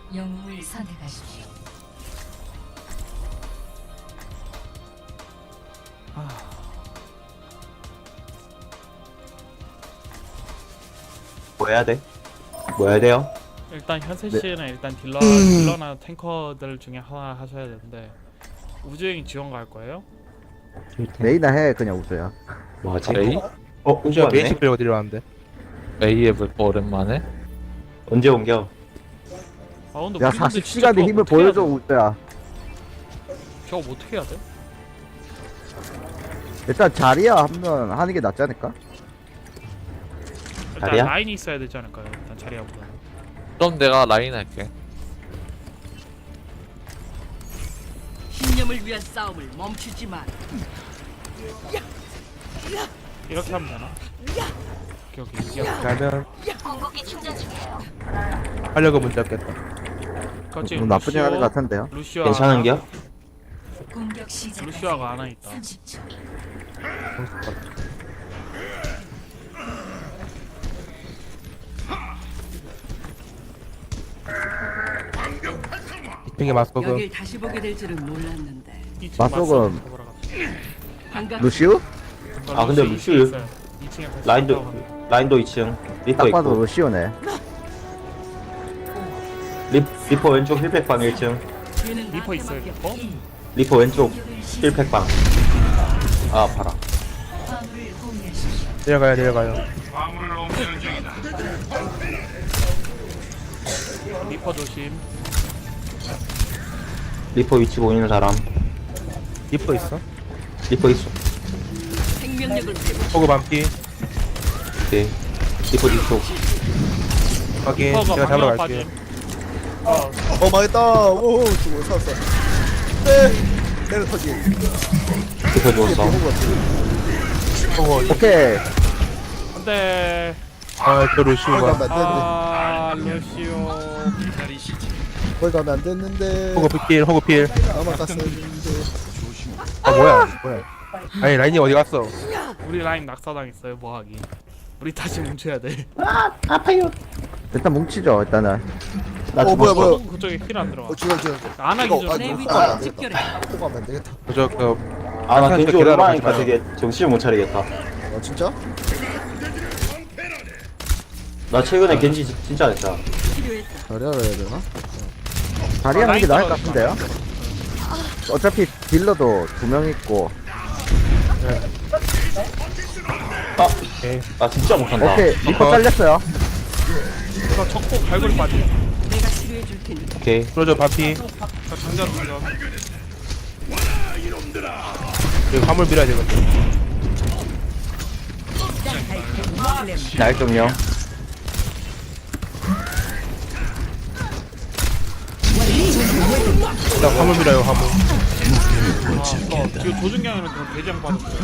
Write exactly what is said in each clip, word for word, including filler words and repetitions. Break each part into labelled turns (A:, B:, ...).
A: 영웅을 선택하십시오.
B: 뭐 해야 돼? 뭐 해야 돼요?
C: 일단 현세
D: 네.
C: 씨는 일단 딜러 딜러나 탱커들 중에 하나 하셔야 되는데 우주행 지원 갈 거예요?
D: 메이나 해 그냥 우주야.
B: 뭐하지?
E: 레이?
B: 어?
F: 우주야
B: 우주네?
F: 베이직 배우고 내려왔는데.
E: A에 볼거 오랜만에?
B: 언제 옮겨?
C: 아 근데
D: 야
C: 우리 근데
D: 사십
C: 진짜
D: 시간의
C: 저거
D: 힘을
C: 어떻게 해야
D: 보여줘
C: 돼?
D: 우주야.
C: 저거 어떻게 해야 돼?
D: 일단 자리야 하면 하는 게 낫지 않을까?
C: 일단
B: 자리야?
C: 라인이 있어야 되지 않을까요? 일단 자리야보다.
E: 그럼 내가 라인 할게.
G: 신념을 위한 싸움을 멈추지 마.
C: 이렇게 하면 되나? 오케이 오케이 이게
F: 그러면 하려고 문제 없겠다.
C: 그렇지.
D: 뭐 나쁘지 않은 것 같은데요.
C: 루시아
B: 괜찮은겨?
A: 공격 시작.
C: 루시아가 하나 있다.
A: 삼십 초.
F: 이핑에 맞서고
G: 여길 다시 보게 될 줄은 몰랐는데.
C: 이 층
D: 맞서금.
C: 맞서 보러 갔다.
G: 반갑.
D: 루시우?
B: 아, 근데 루시우
C: 이 층에
B: 라인도 라인도 이 층 리퍼
D: 딱 봐도
B: 있고
D: 루시우네.
B: 리, 리퍼 왼쪽 힐팩방 일 층
G: 뒤는
C: 리퍼 있어요
G: 나한테
C: 리퍼?
B: 리퍼 왼쪽 힐팩방 아 봐라
A: 화물을 공유하십시오.
F: 내려가요 내려가요.
C: 리퍼 조심.
B: 리퍼 위치 보이는 사람
F: 리퍼 있어?
B: 리퍼 있어
G: 생명력을 회복.
F: 호그 반피
B: 오케이 리퍼 뒤쪽
F: 확인.
C: 리퍼가
F: 제가 잡으러
C: 방향
F: 갈게요.
C: 빠짐. 어,
H: 어 망했다. 오 죽어 살았어. 네. 내려 터지.
B: 리퍼 죽었어
F: 호그
D: 오케이.
C: 안돼.
F: 아저
H: 거기
F: 루시우가
H: 가면 안 됐는데.
C: 아 루시오.
H: 거기 가면 안 됐는데.
F: 호그 필 호그 필.
H: 아마 갔어야 했는데.
F: 아 뭐야 뭐야. 아니 라인이 어디 갔어?
C: 우리 라인 낙사당했어요 뭐하기. 우리 다시 뭉쳐야 돼.
D: 일단 뭉치죠 일단은.
B: 나
H: 어 뭐야
B: 죽었어
H: 뭐야.
C: 그쪽에 힐안 들어가.
H: 어 죽어 죽어.
C: 안 하기
H: 이거,
C: 전에.
H: 아,
G: 내
H: 이거
G: 위치를
H: 안 돼.
G: 집결해.
H: 또 가면 안 되겠다.
F: 저그
B: 아나 겐지
F: 계단
B: 오랜만이니까
F: 가지
B: 되게 정신을 못 차리겠다
H: 어 진짜?
B: 나 최근에 겐지 지- 진짜 안 했다
G: 필요했다.
H: 자리하러 해야 되나?
D: 자리 하는 게 나을 것
C: 라인
D: 같은데요. 어차피 딜러도 두 명 있고.
B: 아!
F: 오케이.
B: 나 진짜 못한다
D: 오케이 리퍼 잘렸어요.
C: 이거 적고 갈고리 빠짐.
G: 내가 치료해 줄 테니.
B: 오케이
F: 그러죠 반피.
C: 자 장전 장전.
F: 여기 화물 밀어야 되거든.
B: 날 좀요
F: 일단 화물 밀어요 화물.
C: 어, 지금 조준경이는 그 대장 빠졌어요.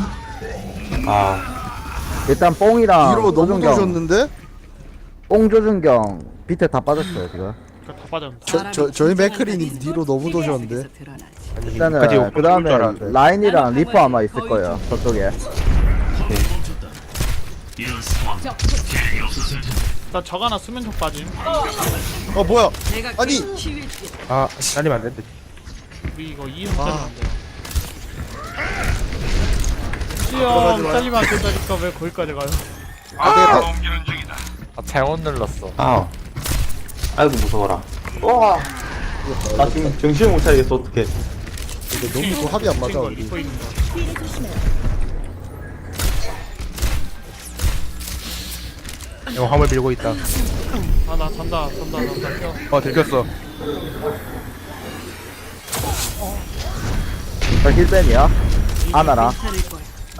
B: 아
D: 일단 뽕이랑
H: 뒤로 너무
D: 조준경,
H: 도셨는데?
D: 뽕 조준경 밑에 다 빠졌어요 지금.
C: 그다 빠졌는데.
H: 저, 저, 저희 맥크리님 뒤로 너무 도셨는데?
F: 아니
D: 일단은
F: 여기까지
D: 그
F: 올줄
D: 다음에
F: 알았는데.
D: 라인이랑 리퍼 아마 있을 거예요 저쪽에.
C: 일단 적 하나 수면총 빠짐.
H: 어 뭐야?
G: 내가
H: 아니!
G: 그 치유해줄게.
F: 아 날리면 안 된대.
C: 우리 이거 이 형
H: 아.
C: 잘리면 안 돼요.
H: 들어가지
C: 시험
H: 마요.
C: 잘리면 안 된다니까 왜 거기까지 가요?
H: 아 내가
E: 아 잘못 눌렀어.
B: 아 아이고 무서워라 와 나 지금 정신을 못 차리겠어 어떡해
H: 이거 너무 또 합이 안 맞아
C: 거
H: 우리.
C: 리퍼 있는 거.
F: 이거 화물 밀고 있다.
C: 아나 잔다 잔다 잔다 켜.
F: 어 들켰어.
D: 저 힐벤이야. 아나랑.
G: 괜찮을 거야.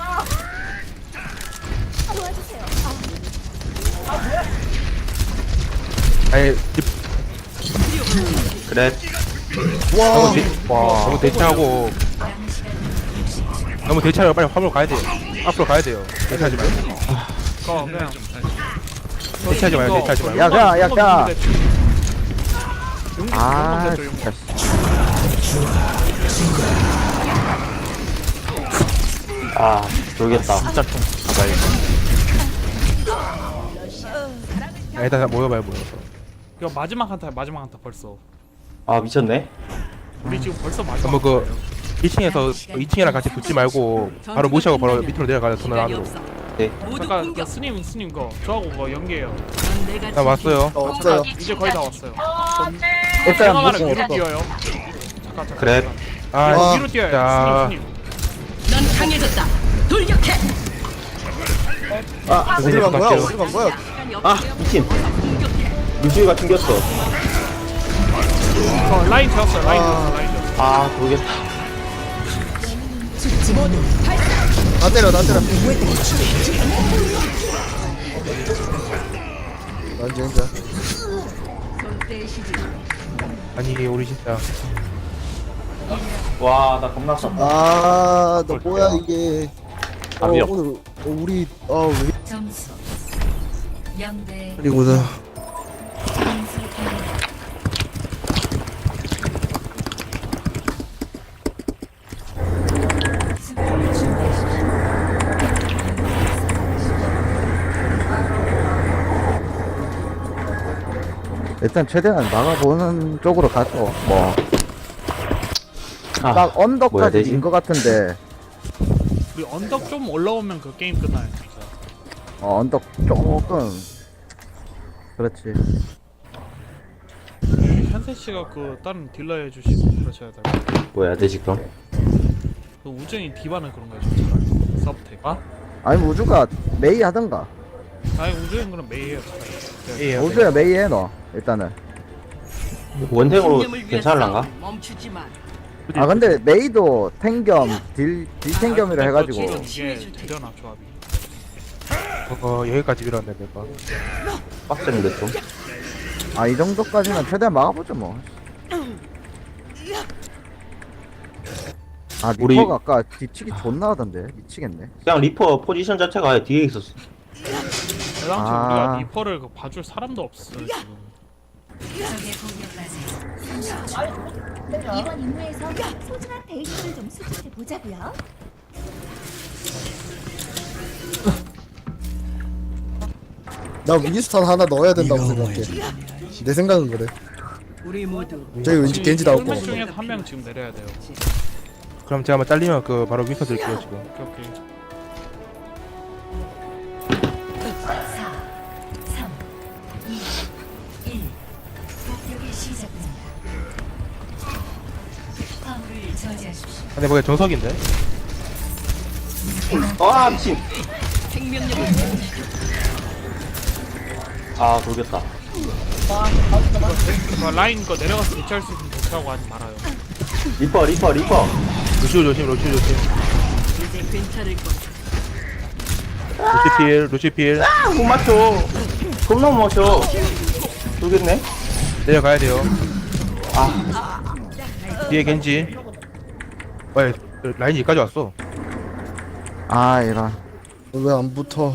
F: 아니 리-
B: 그래
H: 와.
F: 너무 대, 와 너무 대치하고 너무 대치하고 빨리 화물 가야 돼. 앞으로 가야 돼요. 대치하지 말고.
C: 거 그냥.
F: 대치하지 말고 대치하지 말고.
D: 야, 그냥, 야, 그냥.
C: 용기
D: 아
C: 용기
D: 진짜.
B: 아 모르겠다 진짜 좀 가봐야겠다
F: 아, 일단 모여봐요 모여서.
C: 이거 마지막 한타 마지막 한타 벌써.
B: 아 미쳤네.
C: 우리 지금 벌써 마지막.
F: 한번 그 일 층에서 이 층이랑 같이 붙지 말고 바로 무시하고 바로 밑으로 내려가자. 터널
G: 시간이
F: 안으로.
G: 없어.
B: 네.
G: 모두
C: 잠깐 그
G: 공격.
C: 스님 스님 거 저하고 뭐 연계해요.
G: 넌 내가
F: 나 왔어요.
H: 어, 없어요.
C: 잠깐 이제 거의 다 왔어요.
D: 일단
C: 생각하는
D: 무슨
C: 위로 뛰어요. 잠깐 잠깐.
B: 그래.
C: 잠깐.
F: 아,
H: 와.
C: 위로 뛰어요.
F: 자.
C: 스님 스님.
G: 넌 강해졌다. 돌격해.
B: 아
H: 어디로 간 거야?
F: 갈게요.
H: 어디로 간 거야?
G: 시간이
B: 아,
G: 없어요.
B: 미친.
G: 어서 공격해.
B: 루시우가 튕겼어.
C: 어, 라인 되었어요. 라인
H: 아.
C: 되었어. 라인 되었어.
B: 아 모르겠다.
H: 나 때려, 나 때려. 난 진짜.
G: 손 떼시지.
F: 아니 우리 진짜
B: 와 나 겁나 쌌다.
H: 아, 너 뭐야 이게? 어,
E: 답이
H: 오늘 어, 우리 어 우리
A: 점수 영대
H: 그리고는
A: 공수 변경. 수비를 준비하십시오.
D: 일단 최대한 막아보는 쪽으로 가죠. 뭐.
B: 아,
D: 딱
B: 뭐야
D: 언덕까지
B: 되지?
D: 인 것 같은데,
C: 우리 언덕 좀 올라오면 그 게임 끝나요. 진짜.
D: 어, 언덕 조금. 그렇지.
C: 현세 씨가 그 다른 딜러 해주시고 그러셔야 될 것 같아요.
B: 뭐 해야 되지 그럼?
C: 그 우정이 디바는 그런 거죠. 차라리 서브텍. 아?
D: 아니, 우주가 메이 하던가.
C: 아니 우정이 그럼 메이해요. 차라리.
F: 예.
D: 우주야 메이 해, 너. 일단은.
B: 원탱으로
G: 신념을 위한
B: 괜찮을란가?
G: 싸움 멈추지 마.
D: 아, 근데 메이도 탱겸, 딜, 딜 탱겸이라
C: 아,
D: 해가지고.
C: 그거 이게 되려나 조합이.
F: 어 여기까지 밀었네 내가.
B: 빡센데 좀.
D: 아, 이 정도까지는 최대한 막아보죠, 뭐. 아,
B: 우리-
D: 리퍼가 아까 뒤치기 존나 하던데. 미치겠네.
B: 그냥 리퍼 포지션 자체가 아예 뒤에 있었어.
C: 대당초
D: 아.
C: 우리가 리퍼를 그 봐줄 사람도 없어요 지금.
A: 적의 공격까지
I: 이번 임무에서 소중한 데이터를 좀 수집해 보자고요.
H: 나 윈스턴 하나 넣어야 된다고 생각해. 내 생각은 그래.
G: 우리 모두
H: 저기 왠지 겐지 나올 거
C: 명
H: 같아.
C: 중에서 한 명 지금 내려야 돼요.
F: 그럼 제가 한번 잘리면 그 바로 윈서 드릴게요 지금.
C: 오케이 오케이.
A: 사, 삼, 이, 일. 공격이 시작됩니다. 화물을 저지하십시오.
F: 근데 뭐야 정석인데?
B: 아 미친.
G: 생명력을
B: 아 돌겠다.
C: 그 라인 거 내려가서 대체할 수 있으면 대체하고 하지 말아요.
B: 리퍼 리퍼 리퍼.
F: 루시오 조심 루시오 조심.
G: 이제 괜찮을 거야.
F: 루시필 루시필
B: 아, 못 맞춰. 겁나 못 맞춰. 돌겠네.
F: 내려가야 돼요. 아 뒤에 겐지. 왜 라인이 여기까지 왔어?
D: 아, 이런.
H: 왜 안 붙어?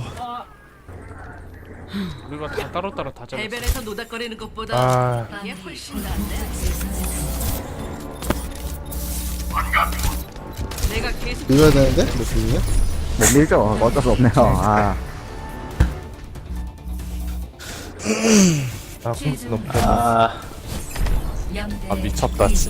C: 우리가 다 따로따로 다 잡았어.
G: 해변에서 노닥거리는 것보다
F: 아
G: 이게 훨씬 낫네. 내가 계속
H: 밀어야 되는데? 몇 분이야?
D: 못 밀죠. 어쩔 수 없네요. 아.
F: 아, 공 너무
B: 아
A: 영대
E: 아 미쳤다
A: 일.
E: 진짜.